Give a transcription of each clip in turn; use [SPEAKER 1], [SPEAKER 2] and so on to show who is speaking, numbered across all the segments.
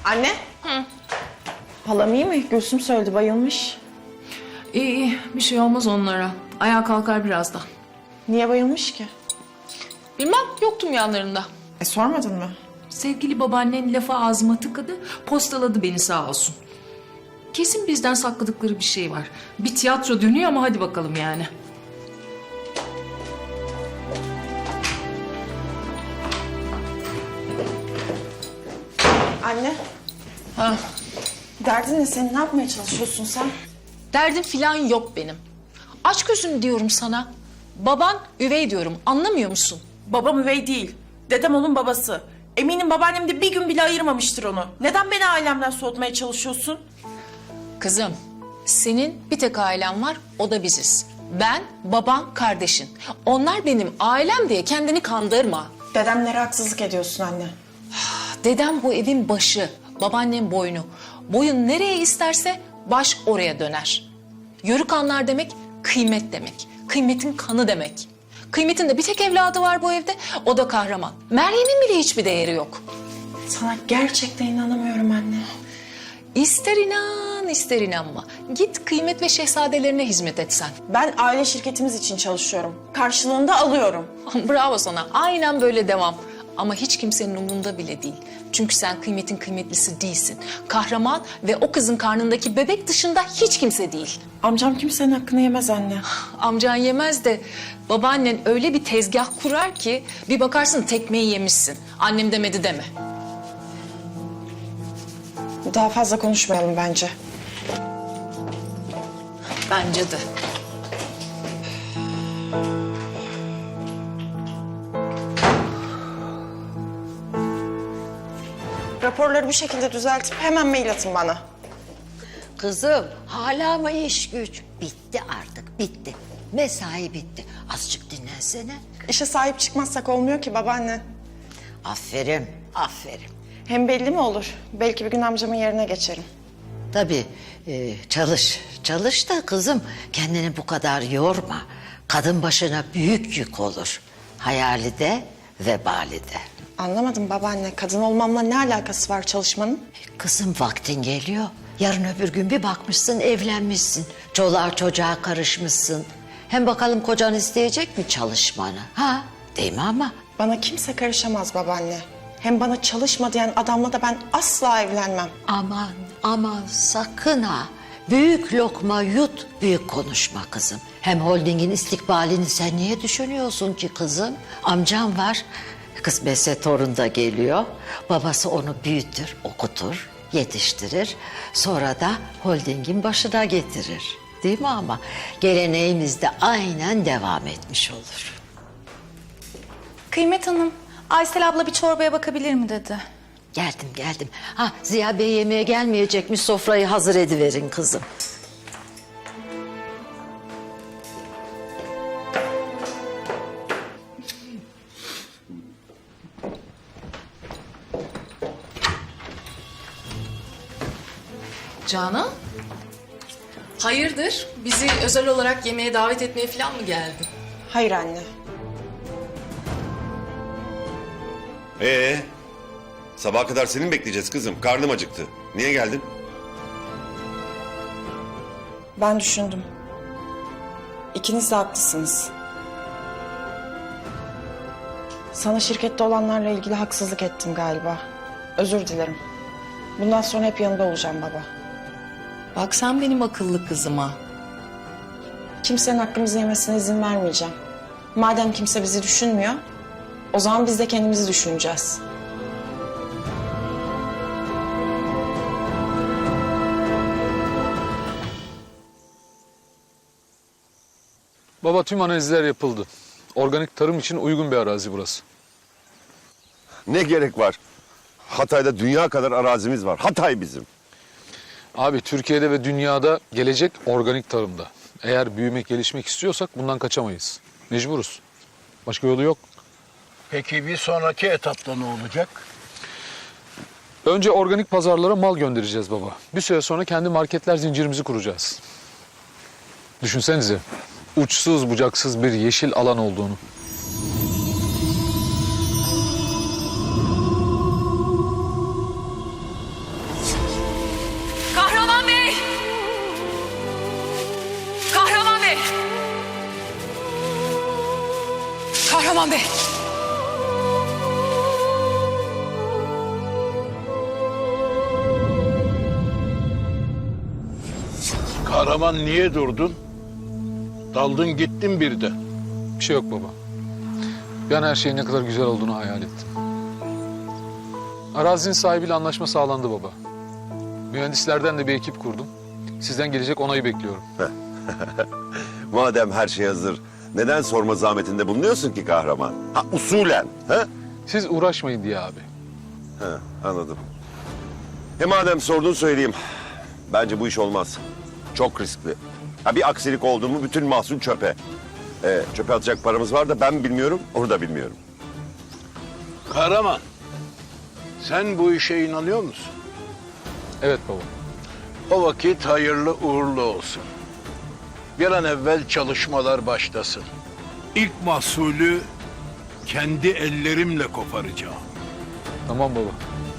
[SPEAKER 1] Anne.
[SPEAKER 2] Hı.
[SPEAKER 1] Halam iyi mi? Gülsüm söyledi, bayılmış.
[SPEAKER 2] İyi iyi, bir şey olmaz onlara. Ayağa kalkar birazdan.
[SPEAKER 1] Niye bayılmış ki?
[SPEAKER 2] Bilmem, yoktum yanlarında.
[SPEAKER 1] Sormadın mı?
[SPEAKER 2] Sevgili babaannen lafı ağzıma tıkadı, postaladı beni sağ olsun. Kesin bizden sakladıkları bir şey var. Bir tiyatro dönüyor ama hadi bakalım yani.
[SPEAKER 1] Anne.
[SPEAKER 2] Ha.
[SPEAKER 1] Derdin ne senin? Ne yapmaya çalışıyorsun sen?
[SPEAKER 2] Derdim filan yok benim. Aç gözünü diyorum sana. Baban üvey diyorum, anlamıyor musun?
[SPEAKER 1] Babam üvey değil. Dedem onun babası. Eminim babaannem de bir gün bile ayırmamıştır onu. Neden beni ailemden soğutmaya çalışıyorsun?
[SPEAKER 2] Kızım, senin bir tek ailen var, o da biziz. Ben, baban, kardeşin. Onlar benim ailem diye kendini kandırma.
[SPEAKER 1] Dedemlere haksızlık ediyorsun anne.
[SPEAKER 2] Dedem bu evin başı, babaannem boynu. Boyun nereye isterse baş oraya döner. Yörük anlar demek, kıymet demek. Kıymetin kanı demek. Kıymetin de bir tek evladı var bu evde, o da kahraman. Meryem'in bile hiçbir değeri yok.
[SPEAKER 1] Sana gerçekten inanamıyorum anne.
[SPEAKER 2] İster inan, ister inanma. Git kıymet ve şehzadelerine hizmet et sen.
[SPEAKER 1] Ben aile şirketimiz için çalışıyorum. Karşılığında alıyorum.
[SPEAKER 2] Bravo sana, aynen böyle devam. Ama hiç kimsenin umurunda bile değil. Çünkü sen kıymetin kıymetlisi değilsin. Kahraman ve o kızın karnındaki bebek dışında hiç kimse değil.
[SPEAKER 1] Amcam kimsenin hakkını yemez anne.
[SPEAKER 2] Amcan yemez de babaannen öyle bir tezgah kurar ki bir bakarsın tekmeyi yemişsin. Annem demedi deme.
[SPEAKER 1] Daha fazla konuşmayalım bence.
[SPEAKER 2] Bence de.
[SPEAKER 1] Raporları bu şekilde düzeltip hemen mail atın bana.
[SPEAKER 3] Kızım hala mı iş güç? Bitti artık bitti. Mesai bitti. Azıcık dinlensene.
[SPEAKER 1] İşe sahip çıkmazsak olmuyor ki babaanne.
[SPEAKER 3] Aferin, aferin.
[SPEAKER 1] Hem belli mi olur? Belki bir gün amcamın yerine geçerim.
[SPEAKER 3] Tabii çalış da kızım kendini bu kadar yorma. Kadın başına büyük yük olur. Hayali de vebali de.
[SPEAKER 1] Anlamadım babaanne. Kadın olmamla ne alakası var çalışmanın?
[SPEAKER 3] Kızım vaktin geliyor. Yarın öbür gün bir bakmışsın evlenmişsin. Çoluğa çocuğa karışmışsın. Hem bakalım kocan isteyecek mi çalışmanı? Ha? Değil mi ama?
[SPEAKER 1] Bana kimse karışamaz babaanne. Hem bana çalışma diyen adamla da ben asla evlenmem.
[SPEAKER 3] Aman aman sakın ha. Büyük lokma yut, büyük konuşma kızım. Hem holdingin istikbalini sen niye düşünüyorsun ki kızım? Amcam var. Kısmetse torun da geliyor. Babası onu büyütür, okutur, yetiştirir. Sonra da holdingin başına getirir. Değil mi ama? Geleneğimiz de aynen devam etmiş olur.
[SPEAKER 4] Kıymet Hanım, Aysel abla bir çorbaya bakabilir mi dedi.
[SPEAKER 3] Geldim. Ha Ziya Bey yemeğe gelmeyecekmiş, sofrayı hazır ediverin kızım.
[SPEAKER 2] Canan? Hayırdır? Bizi özel olarak yemeğe davet etmeye falan mı geldin?
[SPEAKER 1] Hayır anne.
[SPEAKER 5] Sabaha kadar seni mi bekleyeceğiz kızım? Karnım acıktı. Niye geldin?
[SPEAKER 1] Ben düşündüm. İkiniz de haklısınız. Sana şirkette olanlarla ilgili haksızlık ettim galiba. Özür dilerim. Bundan sonra hep yanında olacağım baba.
[SPEAKER 2] Bak sen benim akıllı kızıma.
[SPEAKER 1] Kimsenin hakkımızı yemesine izin vermeyeceğim. Madem kimse bizi düşünmüyor, o zaman biz de kendimizi düşüneceğiz.
[SPEAKER 6] Baba tüm analizler yapıldı. Organik tarım için uygun bir arazi burası.
[SPEAKER 5] Ne gerek var? Hatay'da dünya kadar arazimiz var. Hatay bizim.
[SPEAKER 6] Abi Türkiye'de ve dünyada gelecek organik tarımda. Eğer büyümek, gelişmek istiyorsak bundan kaçamayız. Mecburuz. Başka yolu yok.
[SPEAKER 7] Peki bir sonraki etapta ne olacak?
[SPEAKER 6] Önce organik pazarlara mal göndereceğiz baba. Bir süre sonra kendi marketler zincirimizi kuracağız. Düşünsenize, uçsuz bucaksız bir yeşil alan olduğunu.
[SPEAKER 2] Kahraman Bey.
[SPEAKER 7] Kahraman niye durdun? Daldın gittin bir de.
[SPEAKER 6] Bir şey yok baba. Ben her şeyin ne kadar güzel olduğunu hayal ettim. Arazinin sahibiyle anlaşma sağlandı baba. Mühendislerden de bir ekip kurdum. Sizden gelecek onayı bekliyorum.
[SPEAKER 5] Madem her şey hazır, neden sorma zahmetinde bulunuyorsun ki kahraman? Ha usulen, ha?
[SPEAKER 6] Siz uğraşmayın diye abi.
[SPEAKER 5] Ha, anladım. Madem sordun söyleyeyim. Bence bu iş olmaz. Çok riskli. Ha, bir aksilik oldu mu bütün mahsul çöpe. Çöpe atacak paramız var da ben bilmiyorum, onu da bilmiyorum.
[SPEAKER 7] Kahraman, sen bu işe inanıyor musun?
[SPEAKER 6] Evet baba.
[SPEAKER 7] O vakit hayırlı uğurlu olsun. Bir an evvel çalışmalar başlasın. İlk mahsulü kendi ellerimle koparacağım.
[SPEAKER 6] Tamam baba.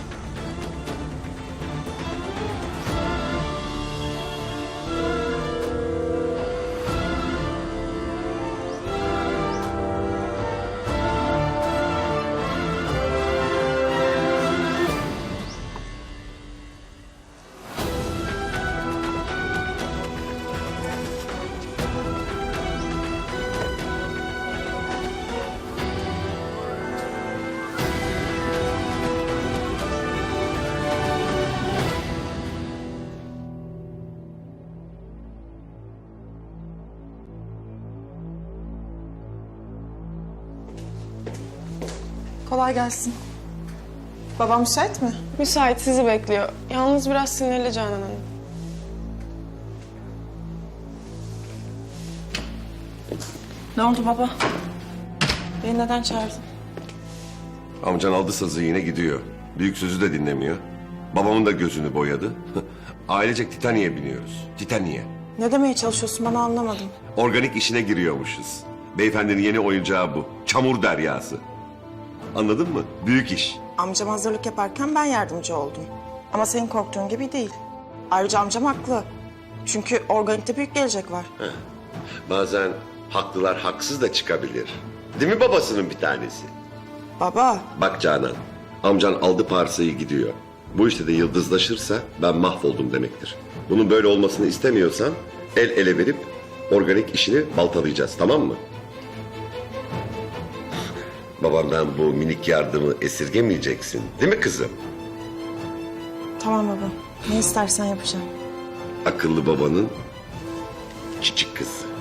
[SPEAKER 1] Kolay gelsin. Babam müsait mi?
[SPEAKER 8] Müsait, sizi bekliyor. Yalnız biraz sinirli Canan Hanım.
[SPEAKER 1] Ne oldu baba? Beni neden çağırdın?
[SPEAKER 5] Amcan aldı sazı yine gidiyor. Büyük sözü de dinlemiyor. Babamın da gözünü boyadı. Ailecek Titaniye biniyoruz. Titaniye.
[SPEAKER 1] Ne demeye çalışıyorsun bana anlamadım.
[SPEAKER 5] Organik işine giriyormuşuz. Beyefendinin yeni oyuncağı bu. Çamur deryası. Anladın mı? Büyük iş.
[SPEAKER 1] Amcam hazırlık yaparken ben yardımcı oldum. Ama senin korktuğun gibi değil. Ayrıca amcam haklı. Çünkü organikte büyük gelecek var.
[SPEAKER 5] Bazen haklılar haksız da çıkabilir. Değil mi babasının bir tanesi?
[SPEAKER 1] Baba,
[SPEAKER 5] Bak Canan, amcan aldı parsayı gidiyor. Bu işte de yıldızlaşırsa ben mahvoldum demektir. Bunun böyle olmasını istemiyorsan el ele verip organik işini baltalayacağız, tamam mı? Babamdan bu minik yardımı esirgemeyeceksin, değil mi kızım?
[SPEAKER 1] tamam baba. Ne istersen yapacağım.
[SPEAKER 5] Akıllı babanın küçük kızı.